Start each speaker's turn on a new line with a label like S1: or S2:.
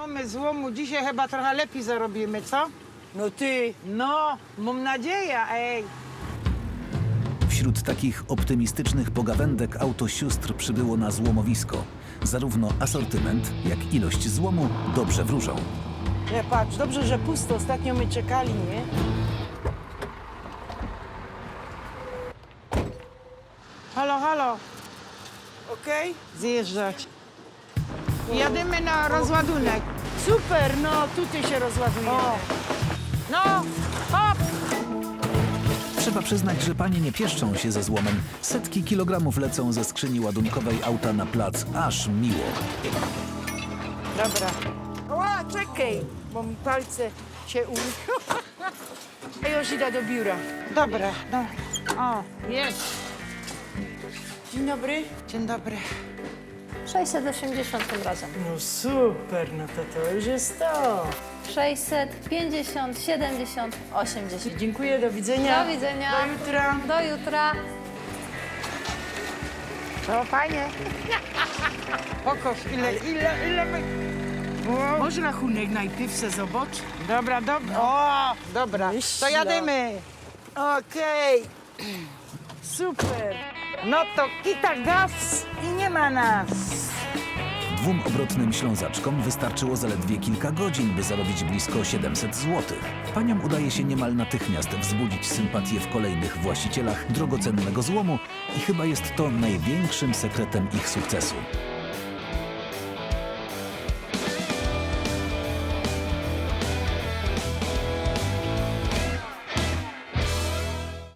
S1: Mamy złomu, dzisiaj chyba trochę lepiej zarobimy, co?
S2: No ty,
S1: No, mam nadzieję, ej.
S3: Wśród takich optymistycznych pogawędek auto sióstr przybyło na złomowisko. Zarówno asortyment, jak ilość złomu dobrze wróżą.
S2: nie patrz, dobrze, że pusto. Ostatnio my czekali, nie?
S1: Halo, halo,
S2: Okej?
S1: zjeżdżać. Jadymy na rozładunek.
S2: Super, no tutaj się rozładujemy.
S1: O. No, hop!
S3: Trzeba przyznać, że panie nie pieszczą się ze złomem. Setki kilogramów lecą ze skrzyni ładunkowej auta na plac. Aż miło.
S1: Dobra.
S2: Ła, czekaj, bo mi palce się Ja już idę do biura.
S1: Dobra, no. O, jest.
S2: Dzień dobry.
S1: Dzień dobry.
S4: 680 tym razem.
S2: No super, no to już jest to.
S4: 650, 70, 80.
S2: Dziękuję, do widzenia.
S4: Do widzenia.
S2: Do jutra.
S4: Do jutra.
S1: To fajnie. Pokaż, ile my... Wow.
S2: Może rachunek najpierw se zobacz?
S1: Dobra, dobra. O, dobra. To
S2: Myślę.
S1: jadymy.
S2: Okej. Super.
S1: No to kita gaz i nie ma nas.
S3: Dwóm obrotnym ślązaczkom wystarczyło zaledwie kilka godzin, by zarobić blisko 700 zł. Paniom udaje się niemal natychmiast wzbudzić sympatię w kolejnych właścicielach drogocennego złomu i chyba jest to największym sekretem ich sukcesu.